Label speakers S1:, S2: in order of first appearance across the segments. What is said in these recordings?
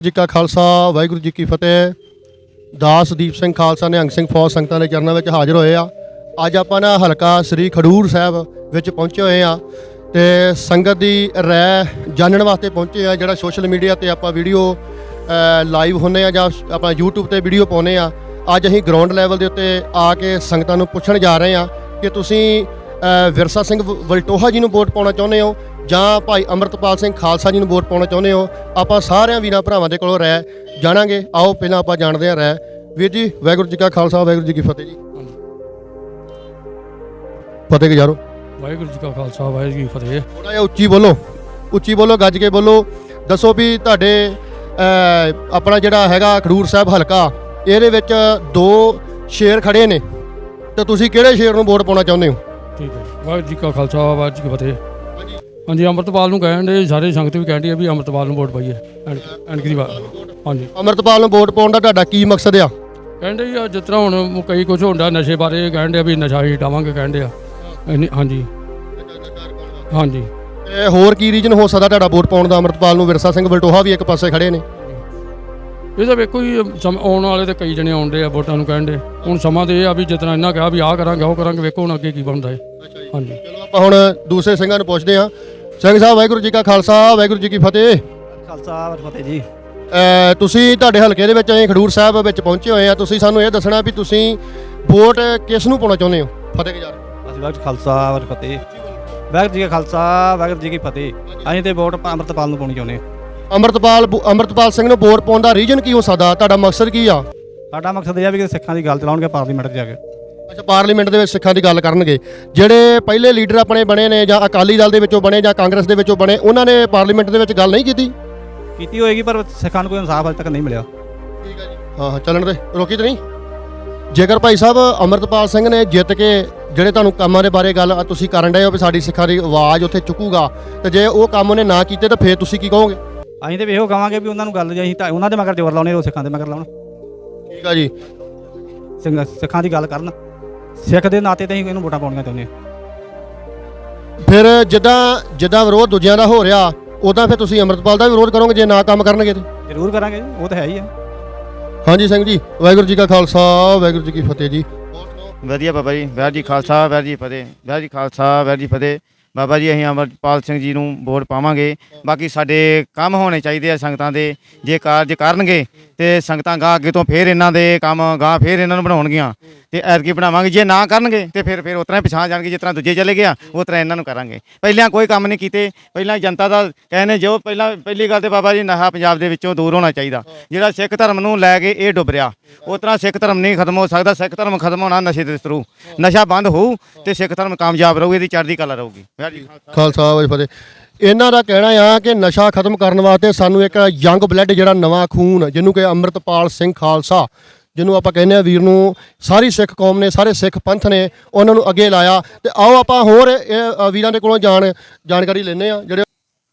S1: ਜੀ ਕਾ ਖਾਲਸਾ ਵਾਹਿਗੁਰੂ ਜੀ ਕੀ ਫਤਿਹ। ਦਾਸ ਦੀਪ ਸਿੰਘ ਖਾਲਸਾ ਨਿਹੰਗ ਸਿੰਘ ਫੌਜ ਸੰਗਤਾਂ ਦੇ ਚਰਨਾਂ ਵਿੱਚ ਹਾਜ਼ਰ ਹੋਏ ਆ। ਅੱਜ ਆਪਾਂ ਨਾ ਹਲਕਾ ਸ੍ਰੀ ਖਡੂਰ ਸਾਹਿਬ ਵਿੱਚ ਪਹੁੰਚੇ ਹੋਏ ਆ ਤੇ ਸੰਗਤ ਦੀ ਰਾਏ ਜਾਣਨ ਵਾਸਤੇ ਪਹੁੰਚੇ ਆ। ਜਿਹੜਾ ਸੋਸ਼ਲ ਮੀਡੀਆ ਤੇ ਆਪਾਂ ਵੀਡੀਓ ਲਾਈਵ ਹੁੰਨੇ ਆ ਜਾਂ ਆਪਾਂ YouTube ਤੇ ਵੀਡੀਓ ਪਾਉਂਦੇ ਆ, ਅੱਜ ਅਸੀਂ ਗਰਾਊਂਡ ਲੈਵਲ ਦੇ ਉੱਤੇ ਆ ਕੇ ਸੰਗਤਾਂ ਨੂੰ ਪੁੱਛਣ ਜਾ ਰਹੇ ਆ ਕਿ ਤੁਸੀਂ ਵਿਰਸਾ ਸਿੰਘ ਵਲਟੋਹਾ ਜੀ ਨੂੰ ਵੋਟ ਪਾਉਣਾ ਚਾਹੁੰਦੇ ਹੋ ਜਾਂ ਭਾਈ ਅੰਮ੍ਰਿਤਪਾਲ ਸਿੰਘ ਖਾਲਸਾ ਜੀ ਨੂੰ ਵੋਟ ਪਾਉਣਾ ਚਾਹੁੰਦੇ ਹੋ। ਆਪਾਂ ਸਾਰਿਆਂ ਵੀਰਾਂ ਭਰਾਵਾਂ ਦੇ ਕੋਲੋਂ ਰਾਏ ਜਾਣਾਂਗੇ। ਆਓ ਪਹਿਲਾਂ ਆਪਾਂ ਜਾਣਦੇ ਹਾਂ ਰਾਏ। ਵੀਰ ਜੀ ਵਾਹਿਗੁਰੂ ਜੀ ਕਾ ਖਾਲਸਾ ਵਾਹਿਗੁਰੂ ਜੀ ਕੀ ਫਤਿਹ ਜੀ। ਫਤਿਹ ਗੁਜ਼ਾਰੋ।
S2: ਵਾਹਿਗੁਰੂ ਜੀ ਕਾ ਖਾਲਸਾ ਵਾਹਿਗੁਰੂ ਜੀ ਕੀ ਫਤਿਹ।
S1: ਥੋੜ੍ਹਾ ਜਿਹਾ ਉੱਚੀ ਬੋਲੋ ਗੱਜ ਕੇ ਬੋਲੋ। ਦੱਸੋ ਵੀ ਤੁਹਾਡੇ ਆਪਣਾ ਜਿਹੜਾ ਹੈਗਾ ਖਡੂਰ ਸਾਹਿਬ ਹਲਕਾ, ਇਹਦੇ ਵਿੱਚ ਦੋ ਸ਼ੇਰ ਖੜੇ ਨੇ ਤੇ ਤੁਸੀਂ ਕਿਹੜੇ ਸ਼ੇਰ ਨੂੰ ਵੋਟ ਪਾਉਣਾ ਚਾਹੁੰਦੇ ਹੋ? ਠੀਕ ਹੈ।
S2: ਵਾਹਿਗੁਰੂ ਜੀ ਕਾ ਖਾਲਸਾ ਵਾਹਿਗੁਰੂ ਜੀ ਕੀ ਫਤਿਹ। ਹਾਂਜੀ, ਅੰਮ੍ਰਿਤਪਾਲ ਨੂੰ ਕਹਿਣ ਦੇ, ਸਾਰੇ ਸੰਗਤ ਵੀ ਕਹਿੰਦੀ ਆ ਵੀ ਅੰਮ੍ਰਿਤਪਾਲ ਨੂੰ ਵੋਟ ਪਾਈਏ। ਐਨਕ ਦੀ ਵਾਰ ਹਾਂਜੀ, ਅੰਮ੍ਰਿਤਪਾਲ
S1: ਨੂੰ ਵੋਟ ਪਾਉਣ ਦਾ ਤੁਹਾਡਾ ਕੀ ਮਕਸਦ ਆ?
S2: ਕਹਿੰਦੇ ਆ ਜਿਸ ਤਰ੍ਹਾਂ ਹੁਣ ਕਈ ਕੁਝ ਹੁੰਦਾ ਨਸ਼ੇ ਬਾਰੇ, ਕਹਿੰਦੇ ਆ ਵੀ ਨਸ਼ਾ ਹੀ ਹਟਾਵਾਂਗੇ ਕਹਿੰਦੇ ਆ। ਹਾਂਜੀ ਹਾਂਜੀ।
S1: ਤੇ ਹੋਰ ਕੀ ਰੀਜਨ ਹੋ ਸਕਦਾ ਤੁਹਾਡਾ ਵੋਟ ਪਾਉਣ ਦਾ ਅੰਮ੍ਰਿਤਪਾਲ ਨੂੰ? ਵਿਰਸਾ ਸਿੰਘ ਵਲਟੋਹਾ ਵੀ ਇੱਕ ਪਾਸੇ ਖੜੇ ਨੇ।
S2: ਇਹ ਤਾਂ ਵੇਖੋ ਜੀ, ਆਉਣ ਵਾਲੇ ਤੇ ਕਈ ਜਣੇ ਆਉਂਦੇ ਆ ਵੋਟਾਂ ਨੂੰ ਕਹਿੰਦੇ। ਹੁਣ ਸਮਾਂ ਤੇ ਇਹ ਆ ਵੀ ਜਿਸ ਤਰ੍ਹਾਂ ਇਹਨਾਂ ਕਿਹਾ ਵੀ ਆਹ ਕਰਾਂਗੇ ਉਹ ਕਰਾਂਗੇ, ਵੇਖੋ ਹੁਣ ਅੱਗੇ ਕੀ ਬਣਦਾ ਹੈ। ਹਾਂਜੀ,
S1: ਚਲੋ ਆਪਾਂ ਹੁਣ ਦੂਸਰੇ ਸਿੰਘਾਂ ਨੂੰ ਪੁੱਛਦੇ ਹਾਂ। ਸਿੰਘ ਸਾਹਿਬ ਵਾਹਿਗੁਰੂ ਜੀ ਕਾ ਖਾਲਸਾ ਵਾਹਿਗੁਰੂ ਜੀ ਕੀ ਫਤਿਹ।
S3: ਖਾਲਸਾ ਫਤਿਹ ਜੀ।
S1: ਤੁਸੀਂ ਤੁਹਾਡੇ ਹਲਕੇ ਦੇ ਵਿੱਚ ਅਸੀਂ ਖਡੂਰ ਸਾਹਿਬ ਵਿੱਚ ਪਹੁੰਚੇ ਹੋਏ ਆ। ਤੁਸੀਂ ਸਾਨੂੰ ਇਹ ਦੱਸਣਾ ਵੀ ਤੁਸੀਂ ਵੋਟ ਕਿਸ ਨੂੰ ਪਾਉਣਾ ਚਾਹੁੰਦੇ ਹੋ? ਫਤਿਹ ਗੁਜ਼ਾਰ।
S3: ਅਸੀਂ ਵਾਹਿਗੁਰੂ ਖਾਲਸਾ ਵਾਹਿਗੁਰੂ ਫਤਿਹ। ਵਾਹਿਗੁਰੂ ਜੀ ਕਾ ਖਾਲਸਾ ਵਾਹਿਗੁਰੂ ਜੀ ਕੀ ਫਤਿਹ। ਅਸੀਂ ਤੇ ਵੋਟ ਅੰਮ੍ਰਿਤਪਾਲ ਨੂੰ ਪਾਉਣੀ ਚਾਹੁੰਦੇ ਹਾਂ।
S1: ਅੰਮ੍ਰਿਤਪਾਲ ਸਿੰਘ ਨੂੰ ਵੋਟ ਪਾਉਣ ਦਾ ਰੀਜਨ ਕੀ ਹੋ ਸਕਦਾ? ਤੁਹਾਡਾ ਮਕਸਦ ਕੀ ਆ?
S3: ਸਾਡਾ ਮਕਸਦ ਇਹ ਆ ਵੀ ਸਿੱਖਾਂ ਦੀ ਗੱਲ ਚਲਾਉਣਗੇ ਪਾਰਲੀਮੈਂਟ 'ਚ ਜਾ ਕੇ।
S1: ਅੱਛਾ, ਪਾਰਲੀਮੈਂਟ ਦੇ ਵਿੱਚ ਸਿੱਖਾਂ ਦੀ ਗੱਲ ਕਰਨਗੇ। ਜਿਹੜੇ ਪਹਿਲੇ ਲੀਡਰ ਆਪਣੇ ਬਣੇ ਨੇ ਜਾਂ ਅਕਾਲੀ ਦਲ ਦੇ ਵਿੱਚੋਂ ਬਣੇ ਜਾਂ ਕਾਂਗਰਸ ਦੇ ਵਿੱਚੋਂ ਬਣੇ, ਉਹਨਾਂ ਨੇ ਪਾਰਲੀਮੈਂਟ ਦੇ ਵਿੱਚ ਗੱਲ ਨਹੀਂ ਕੀਤੀ
S3: ਹੋਏਗੀ, ਪਰ ਸਿੱਖਾਂ ਨੂੰ ਕੋਈ ਇਨਸਾਫ ਅਜੇ ਤੱਕ ਨਹੀਂ ਮਿਲਿਆ।
S1: ਠੀਕ ਹੈ ਜੀ। ਹਾਂ, ਚੱਲਣ ਦੇ, ਰੋਕੀ ਤੇ ਨਹੀਂ। ਜੇਕਰ ਭਾਈ ਸਾਹਿਬ ਅੰਮ੍ਰਿਤਪਾਲ ਸਿੰਘ ਨੇ ਜਿੱਤ ਕੇ ਜਿਹੜੇ ਤੁਹਾਨੂੰ ਕੰਮਾਂ ਦੇ ਬਾਰੇ ਗੱਲ ਤੁਸੀਂ ਕਰਨ ਡਏ ਹੋ ਵੀ ਸਾਡੀ ਸਿੱਖਾਂ ਦੀ ਆਵਾਜ਼ ਉੱਥੇ ਚੁੱਕੂਗਾ, ਤੇ ਜੇ ਉਹ ਕੰਮ ਉਹਨੇ ਨਾ ਕੀਤੇ ਤਾਂ ਫਿਰ ਤੁਸੀਂ ਕੀ ਕਹੋਗੇ?
S3: ਅਸੀਂ ਤੇ ਇਹੋ ਕਹਾਂਗੇ ਵੀ ਉਹਨਾਂ ਨੂੰ ਗੱਲ ਜੇ ਅਸੀਂ ਤਾਂ ਉਹਨਾਂ ਦੇ ਮਗਰ ਜ਼ੋਰ ਲਾਉਣੇ, ਉਹ ਸਿੱਖਾਂ ਦੇ ਮਗਰ ਲਾਉਣ।
S1: ਠੀਕ ਆ ਜੀ।
S3: ਸਿੱਖਾਂ ਦੀ ਗੱਲ ਕਰਨ, ਸਿੱਖ ਦੇ ਨਾਤੇ ਤੇ ਅਸੀਂ ਇਹਨੂੰ ਵੋਟਾਂ ਪਾਉਣੀਆਂ ਚਾਹੁੰਦੇ ਹਾਂ।
S1: ਫਿਰ ਜਿੱਦਾਂ ਵਿਰੋਧ ਦੂਜਿਆਂ ਦਾ ਹੋ ਰਿਹਾ, ਉਦਾਂ ਫਿਰ ਤੁਸੀਂ ਅੰਮ੍ਰਿਤਪਾਲ ਦਾ ਵੀ ਵਿਰੋਧ ਕਰੋਗੇ ਜੇ ਨਾ ਕੰਮ ਕਰਨਗੇ ਤੇ?
S3: ਜ਼ਰੂਰ ਕਰਾਂਗੇ ਜੀ, ਉਹ ਤਾਂ ਹੈ ਹੀ ਆ।
S1: ਹਾਂਜੀ ਸਿੰਘ ਜੀ, ਵਾਹਿਗੁਰੂ ਜੀ ਕਾ ਖਾਲਸਾ ਵਾਹਿਗੁਰੂ ਜੀ ਕੀ ਫਤਿਹ ਜੀ।
S4: ਵਧੀਆ ਬਾਬਾ ਜੀ, ਵਾਹਿਗੁਰੂ ਜੀ ਖਾਲਸਾ ਵਾਹਿਗੁਰੂ ਜੀ ਫਤਿਹ। ਵਾਹਿਗੁਰੂ ਜੀ ਖਾਲਸਾ ਵਾਹਿਗੁਰੂ ਜੀ ਫਤਿਹ। ਬਾਬਾ ਜੀ ਅਸੀਂ ਅੰਮ੍ਰਿਤਪਾਲ ਸਿੰਘ ਜੀ ਨੂੰ ਵੋਟ ਪਾਵਾਂਗੇ। ਬਾਕੀ ਸਾਡੇ ਕੰਮ ਹੋਣੇ ਚਾਹੀਦੇ ਆ ਸੰਗਤਾਂ ਦੇ, ਜੇ ਕਾਰਜ ਕਰਨਗੇ ਤੇ ਸੰਗਤਾਂ ਗਾਂ ਅੱਗੇ ਤੋਂ ਫਿਰ ਇਹਨਾਂ ਦੇ ਕੰਮ ਗਾਂ ਫਿਰ ਇਹਨਾਂ ਨੂੰ ਬਣਾਉਣਗੀਆਂ ਤੇ ਐਤਕੀ ਬਣਾਵਾਂਗੇ। ਜੇ ਨਾ ਕਰਨਗੇ ਤੇ ਫਿਰ ਉਸ ਤਰ੍ਹਾਂ ਪਛਾਣ ਜਾਣਗੇ, ਜਿਸ ਤਰ੍ਹਾਂ ਦੂਜੇ ਚਲੇ ਗਿਆ ਉਸ ਤਰ੍ਹਾਂ ਇਹਨਾਂ ਨੂੰ ਕਰਾਂਗੇ। ਪਹਿਲਾਂ ਕੋਈ ਕੰਮ ਨਹੀਂ ਕੀਤੇ, ਪਹਿਲਾਂ ਜਨਤਾ ਦਾ ਕਹਿੰਦੇ ਜੋ ਪਹਿਲੀ ਗੱਲ ਤੇ ਬਾਬਾ ਜੀ ਨਸ਼ਾ ਪੰਜਾਬ ਦੇ ਵਿੱਚੋਂ ਦੂਰ ਹੋਣਾ ਚਾਹੀਦਾ। ਜਿਹੜਾ ਸਿੱਖ ਧਰਮ ਨੂੰ ਲੈ ਕੇ ਇਹ ਡੁੱਬ ਰਿਹਾ, ਉਸ ਤਰ੍ਹਾਂ ਸਿੱਖ ਧਰਮ ਨਹੀਂ ਖਤਮ ਹੋ ਸਕਦਾ। ਸਿੱਖ ਧਰਮ ਖਤਮ ਹੋਣਾ ਨਸ਼ੇ ਦੇ ਥਰੂ। ਨਸ਼ਾ ਬੰਦ ਹੋਊ ਤੇ ਸਿੱਖ ਧਰਮ ਕਾਮਯਾਬ ਰਹੂ, ਇਹਦੀ ਚੜ੍ਹਦੀ ਕਲਾ ਰਹੂਗੀ।
S1: ਖਾਲਸਾ ਵਾਹਿਗੁਰੂ ਫਤਿਹ। ਇਹਨਾਂ ਦਾ ਕਹਿਣਾ ਆ ਕਿ ਨਸ਼ਾ ਖਤਮ ਕਰਨ ਵਾਸਤੇ ਸਾਨੂੰ ਇੱਕ ਯੰਗ ਬਲੱਡ, ਜਿਹੜਾ ਨਵਾਂ ਖੂਨ, ਜਿਹਨੂੰ ਕਿ ਅੰਮ੍ਰਿਤਪਾਲ ਸਿੰਘ ਖਾਲਸਾ, ਜਿਹਨੂੰ ਆਪਾਂ ਕਹਿੰਦੇ ਆ ਵੀਰ ਨੂੰ ਸਾਰੀ ਸਿੱਖ ਕੌਮ ਨੇ, ਸਾਰੇ ਸਿੱਖ ਪੰਥ ਨੇ ਉਹਨਾਂ ਨੂੰ ਅੱਗੇ ਲਾਇਆ। ਤੇ ਆਓ ਆਪਾਂ ਹੋਰ ਵੀਰਾਂ ਦੇ ਕੋਲੋਂ ਜਾਣਕਾਰੀ ਲੈਂਦੇ ਆ। ਜਿਹੜੇ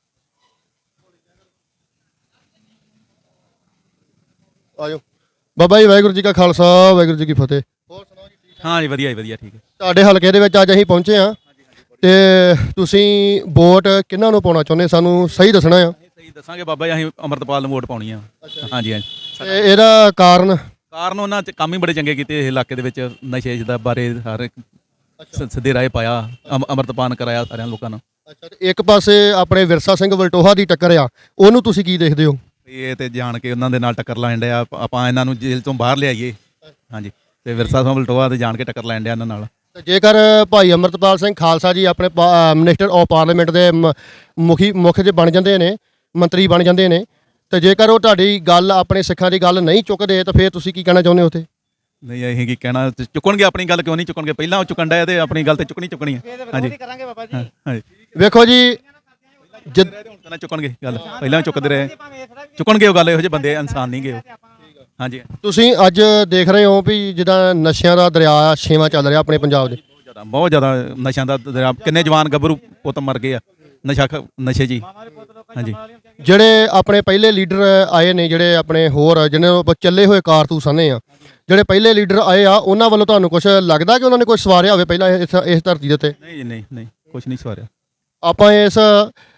S1: ਆਜੋ ਬਾਬਾ ਜੀ, ਵਾਹਿਗੁਰੂ ਜੀ ਕਾ ਖਾਲਸਾ ਵਾਹਿਗੁਰੂ ਜੀ ਕੀ ਫਤਿਹ। ਹੋਰ ਸੁਣਾਓ ਜੀ?
S5: ਹਾਂ ਜੀ, ਵਧੀਆ ਜੀ, ਵਧੀਆ, ਠੀਕ ਹੈ।
S1: ਤੁਹਾਡੇ ਹਲਕੇ ਦੇ ਵਿੱਚ ਅੱਜ ਅਸੀਂ ਪਹੁੰਚੇ ਆ ਤੇ ਤੁਸੀਂ ਵੋਟ ਕਿਹਨਾਂ ਨੂੰ ਪਾਉਣਾ ਚਾਹੁੰਦੇ, ਸਾਨੂੰ ਸਹੀ ਦੱਸਣਾ ਆ।
S5: ਸਹੀ ਦੱਸਾਂਗੇ ਬਾਬਾ ਜੀ, ਅਸੀਂ ਅੰਮ੍ਰਿਤਪਾਲ ਨੂੰ ਵੋਟ ਪਾਉਣੀ ਆ। ਹਾਂਜੀ ਹਾਂਜੀ।
S1: ਤੇ ਇਹਦਾ ਕਾਰਨ
S5: ਉਹਨਾਂ 'ਚ ਕੰਮ ਹੀ ਬੜੇ ਚੰਗੇ ਕੀਤੇ। ਇਹ ਇਲਾਕੇ ਦੇ ਵਿੱਚ ਨਸ਼ੇ ਦਾ ਬਾਰੇ ਹਰ ਇੱਕ ਸਿੱਧੇ ਰਾਹ ਪਾਇਆ, ਅੰਮ੍ਰਿਤਪਾਨ ਕਰਾਇਆ ਸਾਰਿਆਂ ਲੋਕਾਂ ਨੂੰ।
S1: ਅੱਛਾ, ਤੇ ਇੱਕ ਪਾਸੇ ਆਪਣੇ ਵਿਰਸਾ ਸਿੰਘ ਵਲਟੋਹਾ ਦੀ ਟੱਕਰ ਆ, ਉਹਨੂੰ ਤੁਸੀਂ ਕੀ ਦੇਖਦੇ ਹੋ?
S5: ਇਹ ਤੇ ਜਾਣ ਕੇ ਉਹਨਾਂ ਦੇ ਨਾਲ ਟੱਕਰ ਲੈਣ ਡਿਆ, ਆਪਾਂ ਇਹਨਾਂ ਨੂੰ ਜੇਲ੍ਹ ਤੋਂ ਬਾਹਰ ਲਿਆਈਏ। ਹਾਂਜੀ, ਤੇ ਵਿਰਸਾ ਸਿੰਘ ਵਲਟੋਹਾ ਤੇ ਜਾਣ ਕੇ ਟੱਕਰ ਲੈਣ ਡਿਆ ਇਹਨਾਂ ਨਾਲ।
S1: ਜੇਕਰ ਭਾਈ ਅੰਮ੍ਰਿਤਪਾਲ ਸਿੰਘ ਖਾਲਸਾ ਜੀ ਆਪਣੇ ਮਿਨਿਸਟਰ ਆਫ ਪਾਰਲੀਮੈਂਟ ਦੇ ਮੁੱਖ ਜੇ ਬਣ ਜਾਂਦੇ ਨੇ, ਮੰਤਰੀ ਬਣ ਜਾਂਦੇ ਨੇ, ਤੇ ਜੇਕਰ ਉਹ ਤੁਹਾਡੀ ਗੱਲ, ਆਪਣੇ ਸਿੱਖਾਂ ਦੀ ਗੱਲ ਨਹੀਂ ਚੁੱਕਦੇ ਤਾਂ ਫਿਰ ਤੁਸੀਂ ਕੀ ਕਹਿਣਾ ਚਾਹੁੰਦੇ ਹੋ ਉੱਥੇ?
S5: ਨਹੀਂ, ਅਸੀਂ ਕੀ ਕਹਿਣਾ, ਚੁੱਕਣਗੇ ਆਪਣੀ ਗੱਲ, ਕਿਉਂ ਨਹੀਂ ਚੁੱਕਣਗੇ? ਪਹਿਲਾਂ ਉਹ ਚੁੱਕਣ ਡਿਆ ਤੇ ਆਪਣੀ ਗੱਲ ਤੇ ਚੁੱਕਣੀ ਹੈ। ਹਾਂਜੀ ਹਾਂਜੀ।
S1: ਵੇਖੋ ਜੀ,
S5: ਚੁੱਕਣਗੇ ਗੱਲ, ਪਹਿਲਾਂ ਚੁੱਕਦੇ ਰਹੇ, ਚੁੱਕਣਗੇ ਉਹ ਗੱਲ। ਇਹੋ ਜਿਹੇ ਬੰਦੇ ਇਨਸਾਨ ਨਹੀਂ ਗਏ ਉਹ। ਹਾਂਜੀ।
S1: ਤੁਸੀਂ ਅੱਜ ਦੇਖ ਰਹੇ ਹੋ ਵੀ ਜਿੱਦਾਂ ਨਸ਼ਿਆਂ ਦਾ ਦਰਿਆ ਛੇਵਾਂ ਚੱਲ ਰਿਹਾ ਆਪਣੇ ਪੰਜਾਬ ਦੇ।
S5: ਬਹੁਤ ਜ਼ਿਆਦਾ ਨਸ਼ਿਆਂ ਦਾ ਦਰਿਆ। ਕਿੰਨੇ ਜਵਾਨ ਗੱਭਰੂ ਪੁੱਤ ਮਰ ਗਏ ਆ ਨਸ਼ੇ ਜੀ। ਹਾਂਜੀ,
S1: ਜਿਹੜੇ ਆਪਣੇ ਪਹਿਲੇ ਲੀਡਰ ਆਏ ਨੇ, ਜਿਹੜੇ ਆਪਣੇ ਹੋਰ ਜਿਹਨਾਂ ਨੂੰ ਚੱਲੇ ਹੋਏ ਕਾਰਤੂਸ ਆਨੇ ਆ, ਜਿਹੜੇ ਪਹਿਲੇ ਲੀਡਰ ਆਏ ਆ, ਉਹਨਾਂ ਵੱਲੋਂ ਤੁਹਾਨੂੰ ਕੁਝ ਲੱਗਦਾ ਕਿ ਉਹਨਾਂ ਨੇ ਕੁਝ ਸਵਾਰਿਆ ਹੋਵੇ ਪਹਿਲਾਂ ਇਸ ਧਰਤੀ ਦੇ ਉੱਤੇ?
S5: ਨਹੀਂ, ਕੁਝ ਨਹੀਂ ਸਵਾਰਿਆ।
S1: ਆਪਾਂ ਇਸ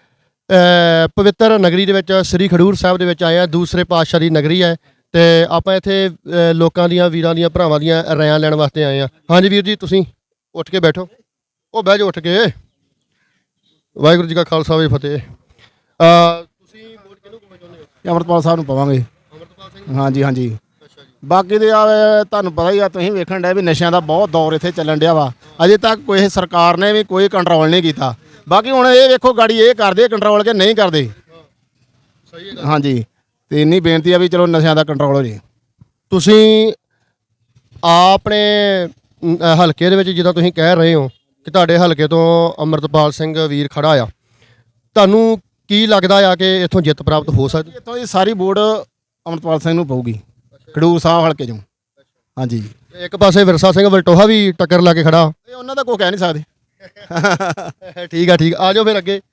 S1: ਪਵਿੱਤਰ ਨਗਰੀ ਦੇ ਵਿੱਚ ਸ੍ਰੀ ਖਡੂਰ ਸਾਹਿਬ ਦੇ ਵਿੱਚ ਆਏ ਆ। ਦੂਸਰੇ ਪਾਤਸ਼ਾਹ ਦੀ ਨਗਰੀ ਹੈ ਤੇ ਆਪਾਂ ਇੱਥੇ ਲੋਕਾਂ ਦੀਆਂ, ਵੀਰਾਂ ਦੀਆਂ, ਭਰਾਵਾਂ ਦੀਆਂ ਰਾਇਆਂ ਲੈਣ ਵਾਸਤੇ ਆਏ ਆ। ਹਾਂਜੀ ਵੀਰ ਜੀ, ਤੁਸੀਂ ਉੱਠ ਕੇ ਬੈਠੋ। ਉਹ ਬਹਿ ਜਾਓ ਉੱਠ ਕੇ। ਵਾਹਿਗੁਰੂ ਜੀ ਕਾ ਖਾਲਸਾ ਵਾਹਿਗੁਰੂ ਜੀ ਕੀ ਫਤਿਹ। ਤੁਸੀਂ ਵੋਟ ਕਿਹਨੂੰ ਪਾਉਣਾ ਚਾਹੁੰਦੇ ਹੋ?
S6: ਅੰਮ੍ਰਿਤਪਾਲ ਸਾਹਿਬ ਨੂੰ ਪਾਵਾਂਗੇ।
S1: ਅੰਮ੍ਰਿਤਪਾਲ ਸਿੰਘ।
S6: ਹਾਂਜੀ ਹਾਂਜੀ।
S1: ਅੱਛਾ ਜੀ।
S6: ਬਾਕੀ ਦੇ ਆ ਤੁਹਾਨੂੰ ਪਤਾ ਹੀ ਆ, ਤੁਸੀਂ ਵੇਖਣ ਡਏ ਵੀ ਨਸ਼ਿਆਂ ਦਾ ਬਹੁਤ ਦੌਰ ਇੱਥੇ ਚੱਲਣ ਡਿਆ ਵਾ। ਅਜੇ ਤੱਕ ਕੋਈ ਸਰਕਾਰ ਨੇ ਵੀ ਕੋਈ ਕੰਟਰੋਲ ਨਹੀਂ ਕੀਤਾ। ਬਾਕੀ ਹੁਣ ਇਹ ਵੇਖੋ ਗਾੜੀ ਇਹ ਕਰਦੇ ਕੰਟਰੋਲ ਕਿ ਨਹੀਂ ਕਰਦੇ।
S1: ਸਹੀ ਹੈ।
S6: ਹਾਂਜੀ, ਤੇ ਇੰਨੀ ਬੇਨਤੀ ਆ ਵੀ ਚਲੋ ਨਸ਼ਿਆਂ ਦਾ ਕੰਟਰੋਲ ਹੋ ਜੇ।
S1: ਤੁਸੀਂ ਆਪਣੇ ਹਲਕੇ ਦੇ ਵਿੱਚ ਜਿੱਦਾਂ ਤੁਸੀਂ ਕਹਿ ਰਹੇ ਹੋ ਕਿ ਤੁਹਾਡੇ ਹਲਕੇ ਤੋਂ ਅੰਮ੍ਰਿਤਪਾਲ ਸਿੰਘ ਵੀਰ ਖੜਾ ਆ, ਤੁਹਾਨੂੰ ਕੀ ਲੱਗਦਾ ਆ ਕਿ ਇੱਥੋਂ ਜਿੱਤ ਪ੍ਰਾਪਤ ਹੋ ਸਕਦੀ?
S6: ਇੱਥੋਂ ਦੀ ਸਾਰੀ ਵੋਟ ਅੰਮ੍ਰਿਤਪਾਲ ਸਿੰਘ ਨੂੰ ਪਊਗੀ, ਖਡੂਰ ਸਾਹਿਬ ਹਲਕੇ ਚੋਂ। ਹਾਂਜੀ,
S1: ਇੱਕ ਪਾਸੇ ਵਿਰਸਾ ਸਿੰਘ ਵਲਟੋਹਾ ਵੀ ਟੱਕਰ ਲਾ ਕੇ ਖੜਾ।
S6: ਇਹ ਉਹਨਾਂ ਦਾ ਕੋਈ ਕਹਿ ਨਹੀਂ ਸਕਦੇ।
S1: ਠੀਕ ਆ, ਠੀਕ ਆ ਜਾਓ ਫਿਰ ਅੱਗੇ।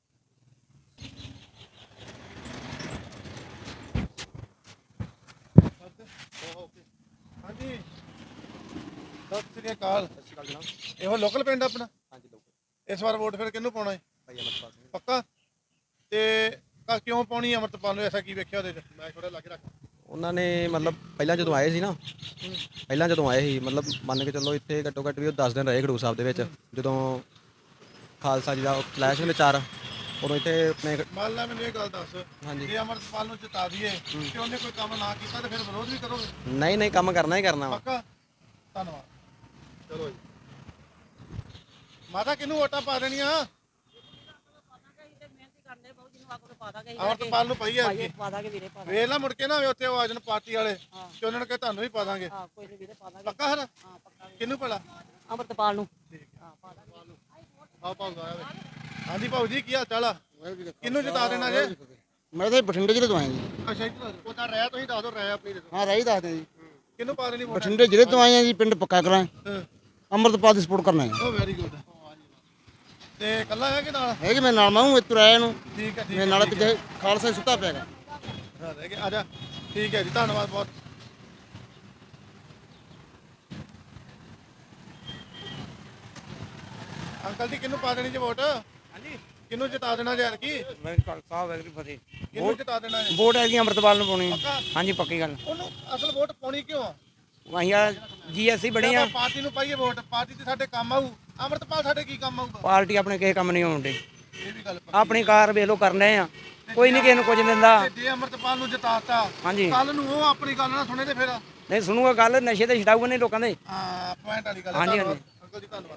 S7: ਹਾਂਜੀ, ਸਤਿ ਸ੍ਰੀ ਅਕਾਲ। ਇਹੋ ਲੋਕਲ ਪਿੰਡ ਆਪਣਾ? ਹਾਂਜੀ ਲੋਕਲ। ਇਸ ਵਾਰ ਵੋਟ ਫਿਰ ਕਿਹਨੂੰ ਪਾਉਣਾ ਹੈ? ਭਾਈ ਅਮਰਪਾਲ ਸਿੰਘ। ਪੱਕਾ? ਤੇ ਕਿਉਂ ਪਾਉਣੀ ਅਮਰਪਾਲ ਨੂੰ? ਐਸਾ ਕੀ ਵੇਖਿਆ ਉਹਦੇ ਚ? ਮੈਂ ਥੋੜਾ ਲੱਗ ਰੱਖ।
S8: ਉਹਨਾਂ ਨੇ ਮਤਲਬ ਪਹਿਲਾਂ ਜਦੋਂ ਆਏ ਸੀ ਨਾ, ਮਤਲਬ ਮੰਨ ਕੇ ਚੱਲੋ ਇੱਥੇ ਘੱਟੋ ਘੱਟ ਵੀ ਉਹ 10 ਦਿਨ ਰਹੇ ਖਡੂਰ ਸਾਹਿਬ ਦੇ ਵਿੱਚ। ਜਦੋਂ ਖਾਲਸਾ ਜੀ ਦਾ ਕਲੈਸ਼ ਵਿੱਚ ਚਾਰ, ਉਦੋਂ ਇੱਥੇ ਆਪਣੇ
S7: ਮੰਨ ਲਾ ਮੈਨੂੰ ਇਹ ਗੱਲ ਦੱਸ,
S8: ਹਾਂਜੀ।
S7: ਜੇ ਅਮਰਪਾਲ ਨੂੰ ਜਿਤਾ ਦਈਏ ਤੇ ਉਹਨੇ ਕੋਈ ਕੰਮ ਨਾ ਕੀਤਾ ਤੇ ਫਿਰ ਵਿਰੋਧ ਵੀ ਕਰੋਗੇ?
S8: ਨਹੀਂ ਕੰਮ ਕਰਨਾ ਹੀ ਕਰਨਾ ਵਾ।
S7: ਪੱਕਾ? ਧੰਨਵਾਦ। ਚਲੋ ਜੀ। ਮਾਤਾ ਕਿਹਨੂੰ ਵੋਟਾਂ ਪਾ ਦੇਣੀਆਂ? ਅਮਰਪਾਲ ਨੂੰ ਪਈ ਹੈ ਜੀ। ਵੇਖ ਲਾ ਮੁੜ ਕੇ ਨਾ ਉੱਥੇ ਉਹ ਆ ਜਾਣ ਪਾਰਟੀ ਵਾਲੇ ਤੇ ਉਹਨਾਂ ਨੇ ਕਿਹਾ ਤੁਹਾਨੂੰ ਵੀ ਪਾ ਦਾਂਗੇ। ਪੱਕਾ ਹਰ ਕਿਹਨੂੰ ਭਲਾ?
S9: ਅਮਰਪਾਲ ਨੂੰ।
S7: ਹਾਂਜੀ ਭਾਊ ਜੀ, ਕੀ ਹਾਲ ਚਾਲ ਆ? ਕਿਹਨੂੰ ਜਿਤਾ ਦੇਣਾ ਜੇ?
S6: ਮੈਂ ਤਾਂ ਬਠਿੰਡੇ ਜ਼ਿਲ੍ਹੇ ਤੋਂ ਆਇਆ ਜੀ।
S7: ਅੱਛਾ ਜੀ।
S1: ਉਹਦਾ ਰਹਿ ਤੁਸੀਂ ਦੱਸ ਦਿਓ, ਰਹਿ ਆਪਣੀ
S6: ਹਾਂ, ਰਾਈ ਦੱਸਦੇ ਜੀ।
S7: ਕਿਹਨੂੰ ਪਾ ਦੇਣੀ ਵੋਟ?
S6: ਬਠਿੰਡੇ ਜ਼ਿਲ੍ਹੇ ਤੋਂ ਆਏ ਆ ਜੀ, ਪਿੰਡ ਪੱਕਾ ਕਰਾਂ। ਅੰਮ੍ਰਿਤਪਾਲ ਦੀ ਸਪੋਰਟ ਕਰਨਾ ਹੈ।
S7: ਉਹ ਵੈਰੀ ਗੁੱਡ। ਤੇ ਕੱਲਾ ਹੈ ਕਿ ਨਾਲ?
S6: ਹੈ ਕਿ ਮੈਂ ਨਾਲ ਮਾਹੂੰ ਇੱਥੋਂ ਆਇਆ ਨੂੰ।
S7: ਠੀਕ ਹੈ, ਠੀਕ
S6: ਮੇਰੇ ਨਾਲ ਪਿੱਛੇ ਖਾਲਸਾ ਹੀ ਸੁੱਤਾ ਪਿਆਗਾ।
S7: ਰਹਿ ਗਿਆ। ਆ ਜਾ। ਠੀਕ ਹੈ ਜੀ, ਧੰਨਵਾਦ ਬਹੁਤ। ਅੰਕਲ ਜੀ, ਕਿਹਨੂੰ ਪਾ ਦੇਣੀ ਜੇ ਵੋਟ? ਹਾਂਜੀ, ਕਿਹਨੂੰ ਜਿਤਾ ਦੇਣਾ ਜੇ? ਕੀ
S10: ਖਾਲਸਾ ਵਾਹਿਗੁਰੂ ਫਤਿਹ।
S7: ਕਿਹਨੂੰ ਜਿਤਾ ਦੇਣਾ ਜੇ?
S10: ਵੋਟ ਹੈਗੀ ਅੰਮ੍ਰਿਤਪਾਲ ਨੂੰ ਪਾਉਣੀ।
S7: ਪੱਕਾ?
S10: ਹਾਂਜੀ ਪੱਕੀ ਗੱਲ।
S7: ਉਹਨੂੰ ਅਸਲ ਵੋਟ ਪਾਉਣੀ ਕਿਉਂ ਆ?
S10: ਅਸੀਂ ਜੀਐਸਸੀ ਬਣੀ ਆ।
S7: ਪਾਰਟੀ ਨੂੰ ਪਾਈਏ ਵੋਟ, ਪਾਰਟੀ ਤੇ ਸਾਡੇ ਕੰਮ ਆਊ। ਅੰਮ੍ਰਿਤਪਾਲ ਸਾਡੇ ਕੀ ਕੰਮ ਆਊਗਾ?
S10: ਪਾਰਟੀ ਆਪਣੇ ਕਿਸੇ ਕੰਮ ਨਹੀਂ ਆਉਂਦੀ।
S7: ਇਹ ਵੀ ਗੱਲ
S10: ਆਪਣੀ ਕਾਰ ਵੇਖ ਲੋ ਕਰਨੇ ਆ, ਕੋਈ ਨਹੀਂ ਕਿਸੇ ਨੂੰ ਕੁਝ ਦਿੰਦਾ।
S7: ਜੇ ਅੰਮ੍ਰਿਤਪਾਲ ਨੂੰ ਜਿਤਾਤਾ,
S10: ਹਾਂਜੀ।
S7: ਕੱਲ ਨੂੰ ਉਹ ਆਪਣੀ ਗੱਲ ਨਾ ਸੁਣੇ ਤੇ ਫਿਰ
S10: ਨਹੀਂ ਸੁਣੂਗਾ ਗੱਲ, ਨਸ਼ੇ ਤੇ ਛਡਾਊਗਾ ਨਹੀਂ ਲੋਕਾਂ ਦੇ।
S7: ਪੁਆਇੰਟ ਵਾਲੀ ਗੱਲ।
S10: ਹਾਂਜੀ,
S7: ਧੰਨਵਾਦ ਅੰਕਲ ਜੀ, ਧੰਨਵਾਦ।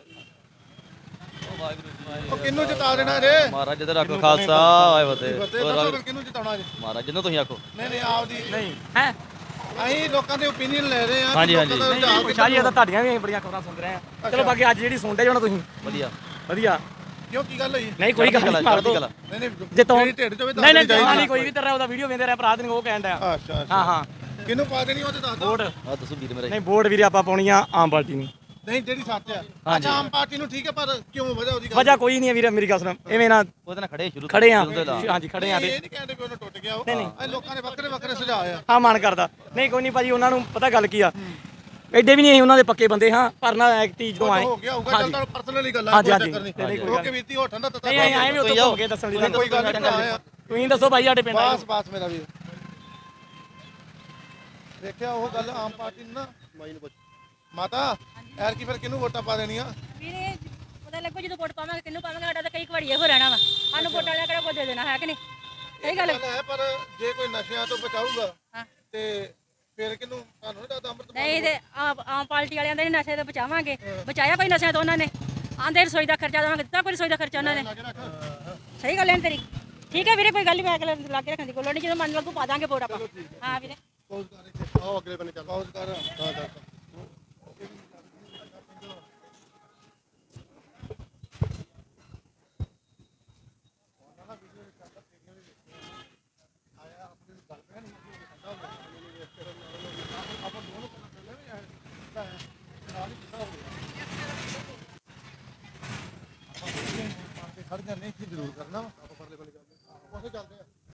S7: ਉਹ ਕਿਹਨੂੰ ਜਿਤਾ ਦੇਣਾ ਜੇ?
S11: ਮਹਾਰਾਜ ਜੀ ਦਾ ਰੱਖੋ ਖਾਲਸਾ ਵਾਹਿ ਫਤਿਹ।
S7: ਦੱਸੋ ਫਿਰ ਕਿਹਨੂੰ ਜਿਤਾਉਣਾ ਜੇ?
S11: ਮਹਾਰਾਜ ਜਿਹਨੂੰ ਤੁਸੀਂ ਆਖੋ।
S7: ਨਹੀਂ ਆਪਦੀ
S10: ਨਹੀਂ ਹੈ
S7: ਅਸੀਂ ਲੋਕਾਂ ਦੇ ਓਪੀਨੀਅਨ ਲੈ ਰਹੇ ਆ।
S11: ਹਾਂਜੀ, ਹਾਂਜੀ।
S10: ਸ਼ਾਹ ਜੀ ਇਹ ਤਾਂ ਤੁਹਾਡੀਆਂ ਵੀ ਬੜੀਆਂ ਖਬਰਾਂ ਸੁਣ ਰਹੇ ਆ। ਚਲੋ ਬਾਕੀ ਅੱਜ ਜਿਹੜੀ ਸੁਣਦੇ ਜਾਣਾ ਤੁਸੀਂ
S11: ਵਧੀਆ
S10: ਵਧੀਆ।
S7: ਕਿਉਂ, ਕੀ ਗੱਲ ਹੋਈ?
S10: ਨਹੀਂ ਕੋਈ ਗੱਲ ਨਹੀਂ, ਮਾਰ ਦੋ।
S7: ਨਹੀਂ ਨਹੀਂ,
S10: ਜੇ ਤੋਂ
S7: ਜਿਹੜੀ ਢਿੱਡ ਚ ਹੋਵੇ
S10: ਨਹੀਂ ਨਹੀਂ ਕੋਈ ਵੀ ਤੇਰਾ ਉਹਦਾ ਵੀਡੀਓ ਵੇਂਦੇ ਰਿਹਾ ਭਰਾ ਤੈਨੂੰ ਉਹ ਕਹਿਣ ਡਿਆ।
S7: ਅੱਛਾ
S10: ਹਾਂ ਹਾਂ।
S7: ਕਿਹਨੂੰ ਪਾ ਦੇਣੀ ਉਹ ਤੇ ਦੱਸ ਦਿਓ।
S10: ਵੋਟ
S11: ਆ ਦੱਸੋ ਵੀਰ ਮੇਰੇ।
S10: ਨਹੀਂ ਵੋਟ ਵੀਰੇ ਆਪਾਂ ਪਾਉਣੀ ਆ ਆਮ ਪਾਰਟੀ ਨੂੰ।
S7: ਨਹੀਂ, ਜਿਹੜੀ ਸੱਚ ਆ। ਅੱਛਾ, ਆਮ ਪਾਰਟੀ ਨੂੰ ਠੀਕ ਹੈ, ਪਰ ਕਿਉਂ ਵਜ੍ਹਾ ਉਹਦੀ ਗੱਲ?
S10: ਵਜ੍ਹਾ ਕੋਈ ਨਹੀਂ ਹੈ ਵੀਰੇ, ਮੇਰੀ ਗੱਲ ਸੁਣ। ਐਵੇਂ ਨਾ
S11: ਉਹਦੇ ਨਾਲ ਖੜੇ ਸ਼ੁਰੂ
S10: ਖੜੇ ਆ।
S11: ਸ਼ੁਰੂ ਤੋਂ ਲਾ।
S10: ਹਾਂਜੀ ਖੜੇ ਆ।
S7: ਇਹ ਨਹੀਂ ਕਹਿੰਦੇ ਵੀ ਉਹਨੂੰ ਟੁੱਟ ਗਿਆ ਉਹ।
S10: ਨਹੀਂ, ਨਹੀਂ।
S7: ਇਹ ਲੋਕਾਂ ਦੇ ਵੱਖਰੇ ਵੱਖਰੇ ਸੁਝਾਅ ਆ।
S10: ਹਾਂ ਮਨ ਕਰਦਾ। ਨਹੀਂ ਕੋਈ ਨਹੀਂ ਭਾਜੀ, ਉਹਨਾਂ ਨੂੰ ਪਤਾ ਗੱਲ ਕੀ ਆ, ਐਡੇ ਵੀ ਨਹੀਂ ਅਸੀਂ ਉਹਨਾਂ ਦੇ ਪੱਕੇ ਬੰਦੇ ਹਾਂ, ਪਰ ਨਾ ਐਕਟੀ ਜਦੋਂ ਆਏ।
S7: ਹੋ ਗਿਆ ਹੋਊਗਾ, ਚੱਲ ਤਾਂ ਪਰਸਨਲੀ ਗੱਲ ਆ,
S10: ਹਾਂਜੀ,
S7: ਕੋਈ
S10: ਹਾਂਜੀ।
S7: ਚੱਕਰ
S10: ਨਹੀਂ,
S7: ਨਹੀਂ।
S10: ਕੋਈ ਗੱਲ
S7: ਓਕੇ ਵੀਰ ਜੀ, ਹੋ ਠੰਡਾ ਤੱਤਾ।
S10: ਨਹੀਂ ਆਏ ਵੀ ਉੱਥੇ ਹੋ ਕੇ ਦੱਸਣ ਦੀ
S7: ਕੋਈ ਗੱਲ ਨਹੀਂ।
S10: ਤੁਸੀਂ ਦੱਸੋ ਭਾਈ ਸਾਡੇ ਪਿੰਡ
S7: ਬਸ ਬਸ ਮੇਰਾ ਵੀਰ, ਦੇਖਿਆ ਉਹ ਗੱਲ ਆਮ ਪਾਰਟੀ ਨੂੰ ਨਾ। ਮਾਤਾ ਐਰ ਕੀ ਫਿਰ ਕਿਹਨੂੰ ਵੋਟਾਂ ਪਾ ਦੇਣੀਆਂ?
S9: ਵੀਰੇ ਪਤਾ ਲੱਗੋ ਜਦੋਂ ਵੋਟ ਪਾਵਾਂਗੇ ਕਿਹਨੂੰ ਪਾਵਾਂਗੇ, ਸਾਡਾ ਤਾਂ ਕਈ ਘੜੀਏ ਹੋ ਰਹਿਣਾ ਵਾ। ਸਾਨੂੰ ਵੋਟਾਂ ਦਾ ਕਿਹੜਾ ਕੁਝ ਦੇ ਦੇਣਾ ਹੈ ਕਿ ਨਹੀਂ? ਸਹੀ ਗੱਲ
S7: ਹੈ। ਪਰ ਜੇ ਕੋਈ ਨਸ਼ਿਆਂ ਤੋਂ ਬਚਾਊਗਾ
S9: ਹਾਂ।
S7: ਤੇ ਫਿਰ ਕਿਹਨੂੰ? ਤੁਹਾਨੂੰ ਨਹੀਂ ਲੱਗਦਾ ਅੰਮ੍ਰਿਤਪਾਲ?
S9: ਨਹੀਂ ਤੇ ਆਮ ਪਾਰਟੀ ਵਾਲਿਆਂ ਦੇ ਨਸ਼ੇ ਤੋਂ ਬਚਾਵਾਂਗੇ। ਬਚਾਇਆ ਕੋਈ ਨਸ਼ਿਆਂ ਤੋਂ ਉਹਨਾਂ ਨੇ? ਆਂਦੇ ਰਸੋਈ ਦਾ ਖਰਚਾ ਦੇਵਾਂਗੇ, ਦਿੱਤਾ ਕੋਈ ਰਸੋਈ ਦਾ ਖਰਚਾ ਉਹਨਾਂ ਨੇ? ਸਹੀ ਗੱਲ ਹੈ ਤੇਰੀ। ਠੀਕ ਹੈ ਵੀਰੇ, ਕੋਈ ਗੱਲ ਨਹੀਂ, ਮੈਂ ਲਾ ਕੇ ਰੱਖਣ ਦੀ ਕੋਈ ਲੋੜ ਨਹੀਂ। ਜਦੋਂ ਮਨ ਲੱਗੂ ਪਾ ਦਾਂਗੇ ਵੋਟ ਆਪਾਂ। ਹਾਂ ਵੀਰੇ।
S1: ਆਓ ਅਗਲੇ ਬੰਨੇ ਚੱਲ।
S7: ਪਾਉਜ਼ ਕਰ। ਹਾਂ ਦੱਸ। ਖੜ ਜਾਂਦੇ ਇੱਥੇ ਜ਼ਰੂਰ ਕਰਨਾ ਵਾ।